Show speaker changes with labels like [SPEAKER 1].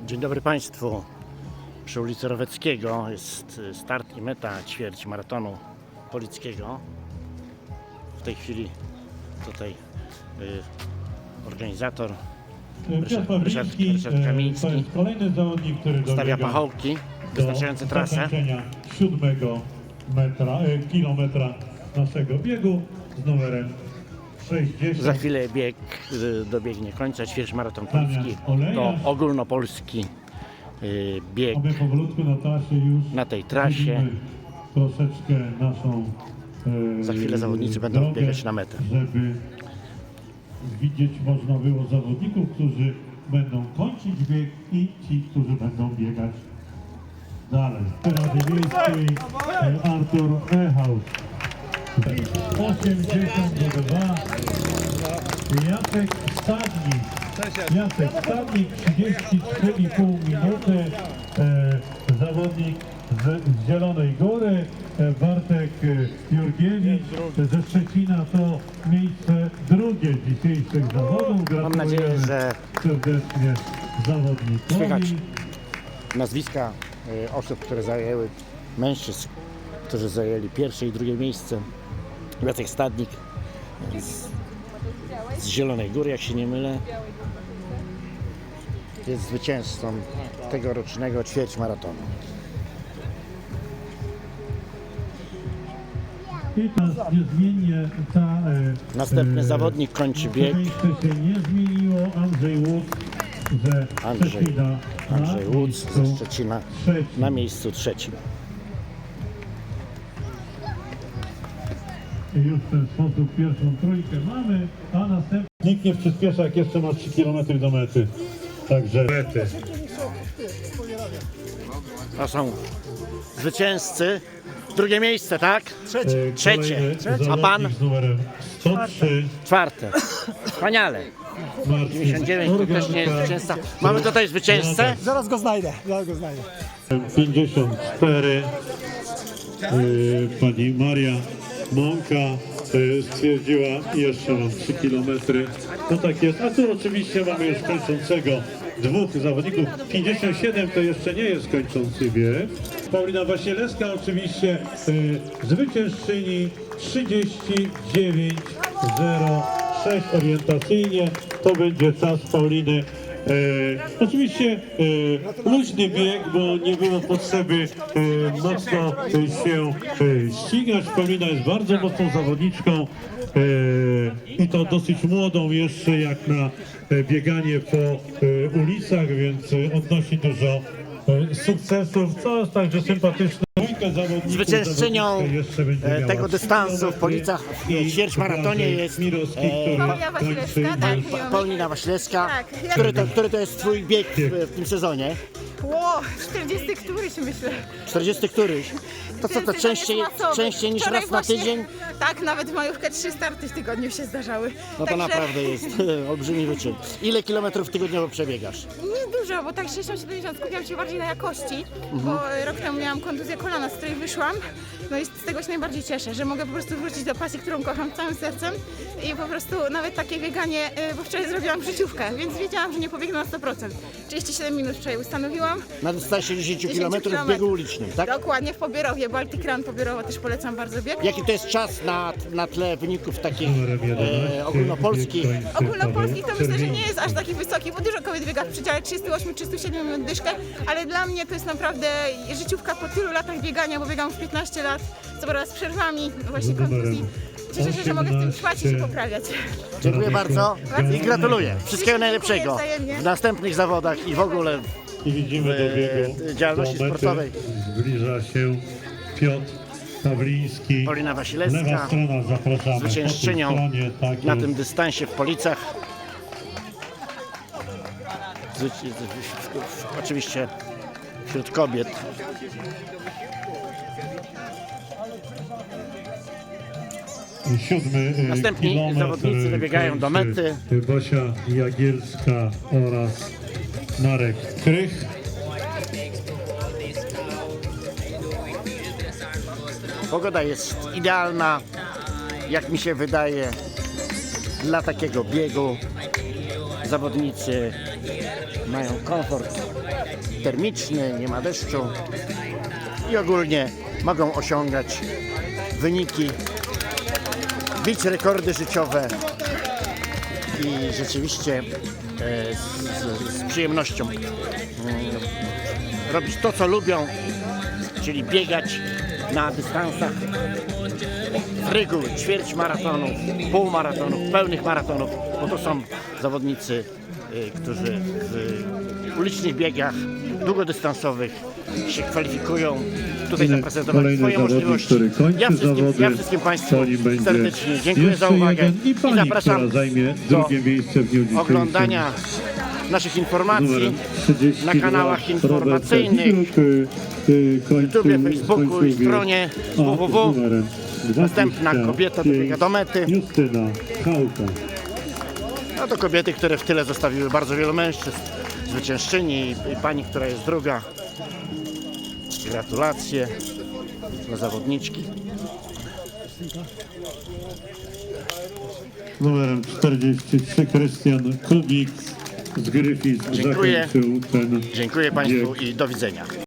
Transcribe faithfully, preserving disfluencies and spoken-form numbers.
[SPEAKER 1] Dzień dobry Państwu. Przy ulicy Roweckiego jest start i meta ćwierć maratonu polickiego. W tej chwili tutaj y, organizator Ryszard, Ryszard, Ryszard Kamiński
[SPEAKER 2] kolejny zawodnik, który
[SPEAKER 1] stawia pachołki wyznaczające trasę.
[SPEAKER 2] siódmego metra, e, kilometra naszego biegu z numerem sześćdziesiąt.
[SPEAKER 1] Za chwilę bieg y, dobiegnie końca. Ćwierć maraton policki to ogólnopolski y, bieg
[SPEAKER 2] Aby powolutku na trasie już
[SPEAKER 1] na tej trasie.
[SPEAKER 2] Troszeczkę naszą e,
[SPEAKER 1] Za chwilę zawodnicy będą
[SPEAKER 2] drogę,
[SPEAKER 1] biegać na metę.
[SPEAKER 2] Żeby widzieć można było zawodników, którzy będą kończyć bieg i ci, którzy będą biegać dalej. Rady Miejskiej Artur Ehaus osiemdziesiąt dwa. Jacek Stadnik Jacek Stadnik trzydzieści trzy i pół minuty. E, zawodnik z, z Zielonej Góry, e, Bartek Jurgiewicz ze Szczecina to miejsce drugie dzisiejszych zawodów. Gratulujemy
[SPEAKER 1] Mam nadzieję, że
[SPEAKER 2] serdecznie zawodnikowi.
[SPEAKER 1] słychać nazwiska y, osób, które zajęły, mężczyzn, którzy zajęli pierwsze i drugie miejsce. Jacek Stadnik z, z Zielonej Góry, jak się nie mylę, jest zwycięzcą tegorocznego ćwierć maratonu.
[SPEAKER 2] I teraz niezmiennie ta... E,
[SPEAKER 1] Następny
[SPEAKER 2] e,
[SPEAKER 1] zawodnik kończy bieg.
[SPEAKER 2] Miejsce się nie zmieniło. Andrzej Łódź ze
[SPEAKER 1] Andrzej,
[SPEAKER 2] Szczecina
[SPEAKER 1] Andrzej
[SPEAKER 2] na
[SPEAKER 1] Łódź
[SPEAKER 2] miejscu
[SPEAKER 1] ze Szczecina
[SPEAKER 2] trzecim.
[SPEAKER 1] na miejscu trzecim.
[SPEAKER 2] I już w ten sposób pierwszą trójkę mamy, a następnie... Nikt nie przyspiesza, jak jeszcze ma trzy kilometry do mety. Także mety.
[SPEAKER 1] To są zwycięzcy. Drugie miejsce, tak?
[SPEAKER 2] E,
[SPEAKER 1] Trzecie.
[SPEAKER 2] kolejny
[SPEAKER 1] A pan?
[SPEAKER 2] zawodnik z numerem sto trzy.
[SPEAKER 1] Czwarte. Wspaniale.
[SPEAKER 2] Marcin
[SPEAKER 1] dziewięćdziesiąt dziewięć to też nie jest
[SPEAKER 2] Organka.
[SPEAKER 1] zwycięzca. Mamy tutaj zwycięzcę.
[SPEAKER 3] Zaraz go znajdę, zaraz go znajdę.
[SPEAKER 2] pięćdziesiąt cztery. Yy, pani Maria Mąka yy, stwierdziła, jeszcze mam trzy kilometry. No tak jest, a tu oczywiście mamy już kończącego dwóch zawodników. pięćdziesiąt siedem to jeszcze nie jest kończący bieg. Paulina Wasilewska oczywiście yy, zwyciężczyni trzydzieści dziewięć zero sześć orientacyjnie. To będzie czas Pauliny. E, oczywiście e, luźny bieg, bo nie było potrzeby e, mocno się e, ścigać. Paulina jest bardzo mocną zawodniczką e, i to dosyć młodą jeszcze jak na e, bieganie po e, ulicach, więc e, odnosi dużo e, sukcesów, co jest także sympatyczne.
[SPEAKER 1] Zwyciężczynią e, tego dystansu w Policach w ćwierćmaratonie jest e,
[SPEAKER 4] Paulina Wasilewska, tak.
[SPEAKER 1] Pa- Paulina Wasilewska.
[SPEAKER 4] Tak.
[SPEAKER 1] Który to, który to jest twój bieg w, w tym sezonie?
[SPEAKER 4] Ło, czterdziesty któryś myślę.
[SPEAKER 1] czterdziesty któryś? To co, to
[SPEAKER 4] Ten
[SPEAKER 1] częściej,
[SPEAKER 4] sezon jest masowy.
[SPEAKER 1] częściej niż
[SPEAKER 4] Wczoraj
[SPEAKER 1] raz na
[SPEAKER 4] właśnie-
[SPEAKER 1] tydzień?
[SPEAKER 4] Tak, nawet w majówkę trzy starty w tygodniu się zdarzały.
[SPEAKER 1] No to
[SPEAKER 4] Także
[SPEAKER 1] naprawdę jest e, olbrzymi wyczyn. Ile kilometrów tygodniowo przebiegasz?
[SPEAKER 4] nie dużo, bo tak sześćdziesiąt siedemdziesiąt skupiam się bardziej na jakości, bo rok temu miałam kontuzję kolana, z której wyszłam. No i z tego się najbardziej cieszę, że mogę po prostu wrócić do pasji, którą kocham całym sercem i po prostu nawet takie bieganie, y, bo wczoraj zrobiłam życiówkę, więc wiedziałam, że nie pobiegnę na sto procent. trzydzieści siedem minut wczoraj ustanowiłam.
[SPEAKER 1] Na dystansie dziesięć
[SPEAKER 4] dziesięć
[SPEAKER 1] kilometrów w biegu
[SPEAKER 4] kilometrów.
[SPEAKER 1] ulicznym, tak?
[SPEAKER 4] Dokładnie, w Pobierowie, Baltic Run Pobierowo też polecam bardzo bieg.
[SPEAKER 1] Jaki to jest czas na, na tle wyników takich
[SPEAKER 2] Numerem jedenaście,
[SPEAKER 1] e, ogólnopolskich?
[SPEAKER 2] bieg kończy
[SPEAKER 4] Ogólnopolski to
[SPEAKER 2] Paweł
[SPEAKER 4] myślę, że nie
[SPEAKER 2] Czerwiński.
[SPEAKER 4] jest aż taki wysoki, bo dużo kobiet biega w przedziale trzydzieści osiem trzydzieści siedem minut dyszkę, ale dla mnie to jest naprawdę życiówka po tylu latach biegania, bo biegam już piętnaście lat, co prawda z przerwami, właśnie kontuzji. Cieszę się, że mogę w tym trwać i się poprawiać.
[SPEAKER 1] Dziękuję bardzo i gratuluję. Wszystkiego
[SPEAKER 4] Dziękuję
[SPEAKER 1] najlepszego
[SPEAKER 4] wzajemnie.
[SPEAKER 1] w następnych zawodach i w ogóle
[SPEAKER 2] I widzimy
[SPEAKER 1] w,
[SPEAKER 2] do biegu
[SPEAKER 1] e, działalności
[SPEAKER 2] do mety.
[SPEAKER 1] sportowej.
[SPEAKER 2] Zbliża się Piotr Pawliński.
[SPEAKER 1] Paulina
[SPEAKER 2] Lewa
[SPEAKER 1] Wasilewska,
[SPEAKER 2] strona, zapraszamy.
[SPEAKER 1] zwyciężczynią
[SPEAKER 2] Po tej stronie, tak
[SPEAKER 1] na
[SPEAKER 2] jest.
[SPEAKER 1] tym dystansie w Policach. Zwyci- w- w- Oczywiście wśród kobiet.
[SPEAKER 2] Siódmy e,
[SPEAKER 1] Następni
[SPEAKER 2] kilometr,
[SPEAKER 1] zawodnicy dobiegają do
[SPEAKER 2] kończy
[SPEAKER 1] mety.
[SPEAKER 2] Basia Jagielska oraz Marek Krych.
[SPEAKER 1] Pogoda jest idealna, jak mi się wydaje, dla takiego biegu. Zawodnicy mają komfort termiczny, nie ma deszczu i ogólnie mogą osiągać wyniki, bić rekordy życiowe i rzeczywiście e, z, z przyjemnością mm, robić to, co lubią, czyli biegać na dystansach z reguły ćwierć maratonów, półmaratonów, pełnych maratonów, bo to są zawodnicy, y, którzy w ulicznych biegach długodystansowych się kwalifikują, tutaj zaprezentować
[SPEAKER 2] Kolejny
[SPEAKER 1] swoje
[SPEAKER 2] zawodnik,
[SPEAKER 1] możliwości.
[SPEAKER 2] który kończy
[SPEAKER 1] Ja wszystkim,
[SPEAKER 2] zawody,
[SPEAKER 1] ja wszystkim Państwu
[SPEAKER 2] po nim będzie
[SPEAKER 1] serdecznie dziękuję za
[SPEAKER 2] jeszcze
[SPEAKER 1] uwagę
[SPEAKER 2] jeden i pani,
[SPEAKER 1] zapraszam
[SPEAKER 2] która zajmie
[SPEAKER 1] do
[SPEAKER 2] drugie miejsce w dniu dzisiejszym.
[SPEAKER 1] oglądania naszych informacji
[SPEAKER 2] Numerem trzydzieści
[SPEAKER 1] na
[SPEAKER 2] dwa,
[SPEAKER 1] kanałach
[SPEAKER 2] Robert
[SPEAKER 1] informacyjnych,
[SPEAKER 2] Widruk, y, y, kończył
[SPEAKER 1] YouTubie, Facebooku i
[SPEAKER 2] swój
[SPEAKER 1] stronie
[SPEAKER 2] bieg. A,
[SPEAKER 1] www.
[SPEAKER 2] z numerem
[SPEAKER 1] Następna
[SPEAKER 2] dwadzieścia
[SPEAKER 1] kobieta
[SPEAKER 2] pięć,
[SPEAKER 1] dobiega do mety.
[SPEAKER 2] Justyna Chałka.
[SPEAKER 1] No to kobiety, które w tyle zostawiły bardzo wielu mężczyzn, zwyciężczyni i, i pani, która jest druga. Gratulacje dla zawodniczki.
[SPEAKER 2] Numerem czterdzieści trzy Krystian Kubik z Gryfic
[SPEAKER 1] Dziękuję.
[SPEAKER 2] zakończył ten
[SPEAKER 1] Dziękuję Państwu
[SPEAKER 2] bieg.
[SPEAKER 1] i do widzenia.